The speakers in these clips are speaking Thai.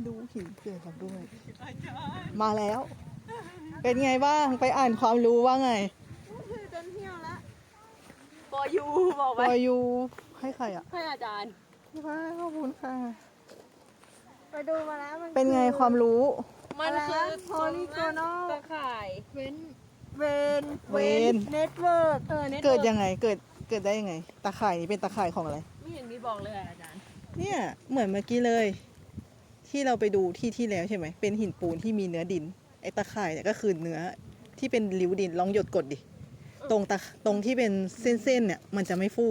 ดูหินเผื่อกันด้วย มาแล้ว เป็นไงบ้างไปอ่านความรู้ว่าไงจนเที่ยวละปอยูบอกไปปอยูให้ใครอ่ะให้อาจารย์ขอบคุณค่ะไปดูมาแล้วมันเป็นไงความรู้มันคือโพลีโกนอลตะข่ายเวน เน็ตเวิร์กเกิดยังไงเกิดได้ยังไงตาข่ายนี้เป็นตาข่ายของอะไรไม่เห็นมีบอกเลยอาจารย์เนี่ยเหมือนเมื่อกี้เลย ที่เราไปดูที่แล้วใช่ไหมเป็นหินปูนที่มีเนื้อดินไอ้ตาข่ายเนี่ยก็คือเนื้อที่เป็นริ้วดินลองหยดกดดิตรงที่เป็นเส้นเนี่ยมันจะไม่ฟู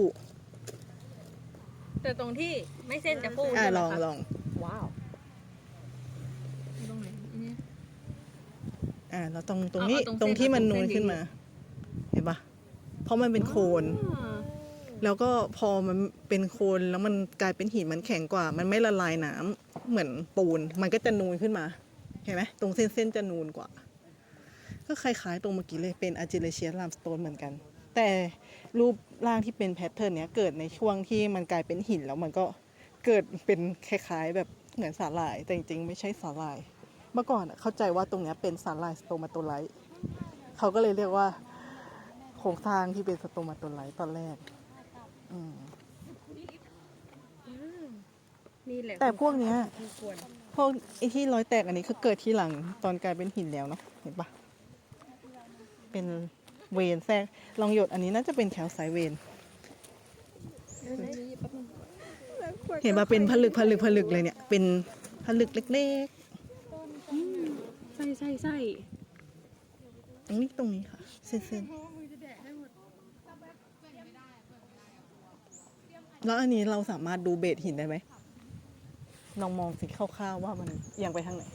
แต่ตรงที่ไม่เส้นจะฟูลองว้าวตรงไหนนี่แล้วตรงนี้ตรงที่มันนูนขึ้นมาเห็นปะเพราะมันเป็นโคลนแล้วก็พอมันเป็นโคลนแล้วมันกลายเป็นหินมันแข็งกว่ามันไม่ละลายน้ำเหมือนปูนมันก็จะนูนขึ้นมาเห็นไหมตรงเส้นจะนูนกว่าก็คล้ายๆตรงเมื่อกี้เลยเป็นอาร์จิเลเชียสลามสโตนเหมือนกันแต่รูปร่างที่เป็นแพทเทิร์นเนี้ยเกิดในช่วงที่มันกลายเป็นหินแล้วมันก็เกิดเป็นคล้ายๆแบบเหมือนสาหร่ายแต่จริงๆไม่ใช่สาหร่ายเมื่อก่อนเข้าใจว่าตรงเนี้ยเป็นสาหร่ายสโตมาโตไลท์เขาก็เลยเรียกว่าโครงสร้างที่เป็นสโตมาโตไลท์ตอนแรกนี่แหละแต่พวกเนี้ยพวกไอ้ที่รอยแตกอันนี้คือเกิดที่หลังตอนกลายเป็นหินแล้วเนาะเห็นปะเป็นเวนแทรกลองหยดอันนี้น่าจะเป็นแคลไซต์เวนเห็นปะเป็นผลึกเลยเนี่ยเป็นผลึกเล็กๆใช่ตรงนี้ค่ะเส้นแล้วอันนี้เราสามารถดูเบสหินได้ไหมลองมองสิคร่าวๆว่ามันเอียงไปทางไหน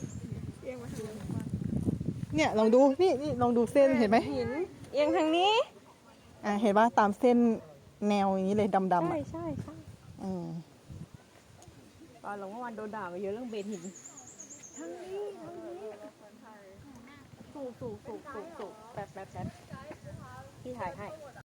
เนี่ยลองดูนี่ลองดูเส้นเห็นไหมหินเอียงทางนี้เห็นว่าตามเส้นแนวอย่างนี้เลยดำๆใช่ตอนหลงวันโดนด่ามาเยอะเรื่องเบนหินทางนี้สูบแป๊บที่ถ่ายให้